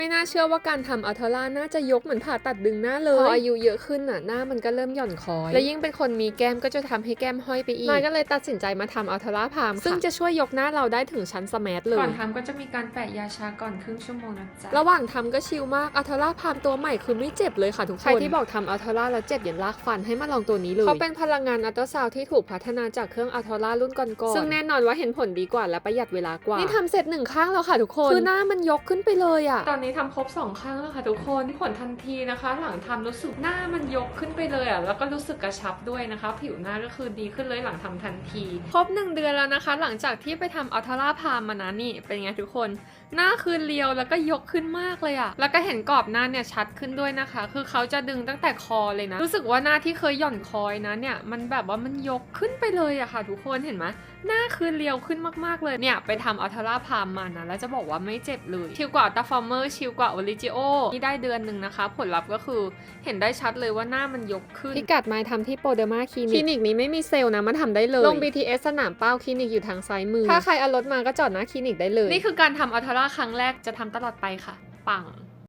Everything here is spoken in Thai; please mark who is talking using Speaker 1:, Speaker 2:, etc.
Speaker 1: ไม่น่าเชื่อว่าการทำอัลเทอร่าน่าจะยกเหมือนผ่าตัดดึงหน้าเลยพออายุเยอะขึ้นน่ะหน้ามันก็เริ่มหย่อนคอยและยิ่งเป็นคนมีแก้มก็จะทำให้แก้มห้อยไปอีกนายก็เลยตัดสินใจมาทำอัลเทอร่าพามซึ่งจะช่วยยกหน้าเราได้ถึงชั้นสแมทเลยก่อนทำก็จะมีการแปะยาชาก่อนครึ่งชั่วโมงนะจ๊ะระหว่างทำก็ชิลมากอัลเทอร่าพามตัวใหม่คือไม่เจ็บเลยค่ะทุกคนใครที่บอกทำอัลเทอร่าแล้วเจ็บอย่าลากฟันให้มาลองตัวนี้เลยเขาเป็นพลังงานอัลตราซาวด์ที่ถูกพัฒนาจากเครื่องอัลเทอร่ารุ่นก่อนๆซึ่งแน่นอนว่าเห็นผลดีกว่าและประหยัดเวลากว่านี่ทำเสร็จ1ข้างแล้วค่ะทุกคนคือหน้ามันยกขึ้นไปเลยอะตอนนี้ทำครบ2ข้างแล้วค่ะทุกคนผลทันทีนะคะหลังทำรู้สึกหน้ามันยกขึ้นไปเลยอ่ะแล้วก็รู้สึกกระชับด้วยนะคะผิวหน้าก็คือดีขึ้นเลยหลังทำทันทีครบ1 เดือนแล้วนะคะหลังจากที่ไปทำอัลทราพามมานะนี่เป็นไงทุกคนหน้าคือเรียวแล้วก็ยกขึ้นมากเลยอ่ะแล้วก็เห็นกรอบหน้าเนี่ยชัดขึ้นด้วยนะคะคือเขาจะดึงตั้งแต่คอเลยนะรู้สึกว่าหน้าที่เคยหย่อนคอยนะเนี่ยมันแบบว่ามันยกขึ้นไปเลยอะค่ะทุกคนเห็นไหมหน้าคือเรียวขึ้นมากๆเลยเนี่ยไปทำอัลทราพามมานะแล้วจะบอกว่าไม่เจ็บเลยชิลกว่าอัลตราฟอร์เมอร์ชิลกว่าโอริจิโอที่ได้เดือนหนึ่งนะคะผลลัพธ์ก็คือเห็นได้ชัดเลยว่าหน้ามันยกขึ้นพิกัดไม้ทำที่โปรเดอร์มาคลินิกนี้ไม่มีเซลล์นะมาทำได้เลยลง BTS สนามเป้าคลินิกอยู่ทางซ้ายมือถ้าใครเอารถมาก็จอดหน้าคลินิกได้เลยนี่คือการทำอัลทราครั้งแรกจะทำตลอดไปค่ะปัง